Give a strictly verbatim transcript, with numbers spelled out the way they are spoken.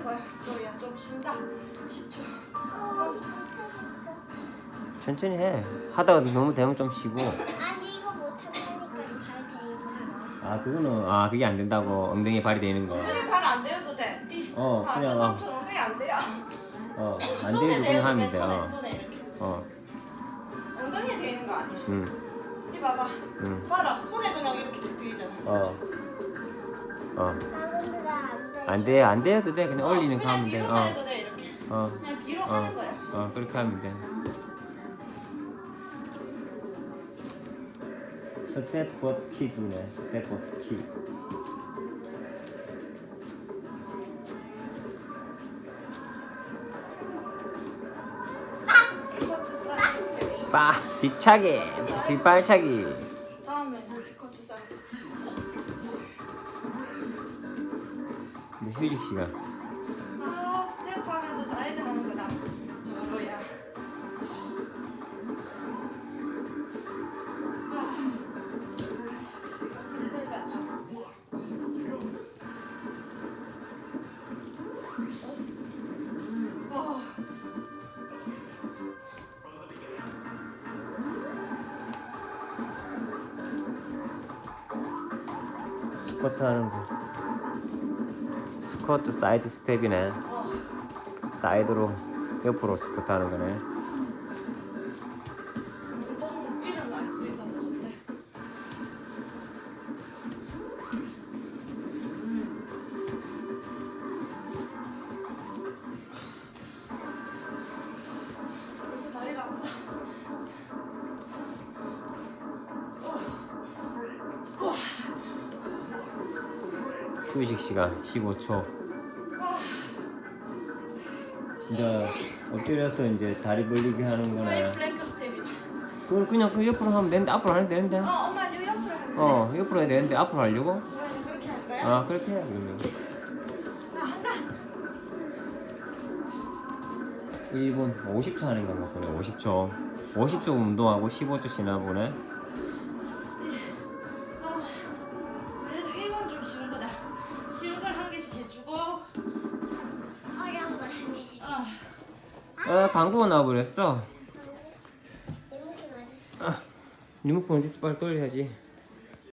거야. 너야 좀 쉰다. 십 초. 천천히 해. 하다가 너무 되면 좀 쉬고. 아니 이거 못한다니까 발 대고. 아 그거는 아 그게 안 된다고 엉덩이에 발이 되는 거. 엉덩이 발안 대어도 돼. 이, 어, 아, 그냥, 저 어. 삼촌 엉덩이 안 돼요. 어, 안 손에 되는 대어도 거 하면 돼, 돼. 손에, 어. 손에 이렇게. 어. 엉덩이에 대는 거 아니야. 응. 이 봐봐. 응. 봐라. 손에 그냥 이렇게 대잖아. 어. 어. 아 근데 나안 돼. 안 돼, 안 돼도 돼. 그냥 올리는 거 그냥 하면 돼. 뒤로만 어. 해도 돼 이렇게. 어. 그냥 뒤로 어. 하는 거야. 어, 그렇게 하면 돼. 스텝 버킷이네. 스텝 버킷. 스쿼트 사이드. 빠! 뒤차기! 뒷발차기! 다음에는 스쿼트 사이드. 근데 휴식 시간. 아 스텝 하면서 사이드 하는 거다. 저로야. 아. 힘들다 좀. 어. 스쿼트 하는 거. 스쿼트 사이드 스텝이네. 어. 사이드로 옆으로 스쿼트 하는 거네. 운동 이름 알 수 있어서 좋대. 벌써 다리가 아프다. 어. 우와. 휴식 시간 십오 초. 이제 엎드려서 이제 다리 벌리기 하는 플레이 거네. 플랭크 스텝이다. 그걸 그냥 그 옆으로 하면 되는데 앞으로 하면 되는데. 어, 엄마 요 옆으로 하는 거. 어, 옆으로 해야 되는데 앞으로 하려고? 그러면 그렇게 할까요? 아, 그렇게 해 그러면. 나 한다. 일 분 오십 초 하는 건가 보네. 오십 초. 오십 초 운동하고 십오 초 쉬나 보네. 아, 그래도 이건 좀 쉬운 거다. 쉬운 걸 한 개씩 해주고. 어려운 걸 한 개씩. 아, 아, 방구가 나와버렸어. 이모지 맞아. 아, 리모컨 어디 빨리 돌려야지.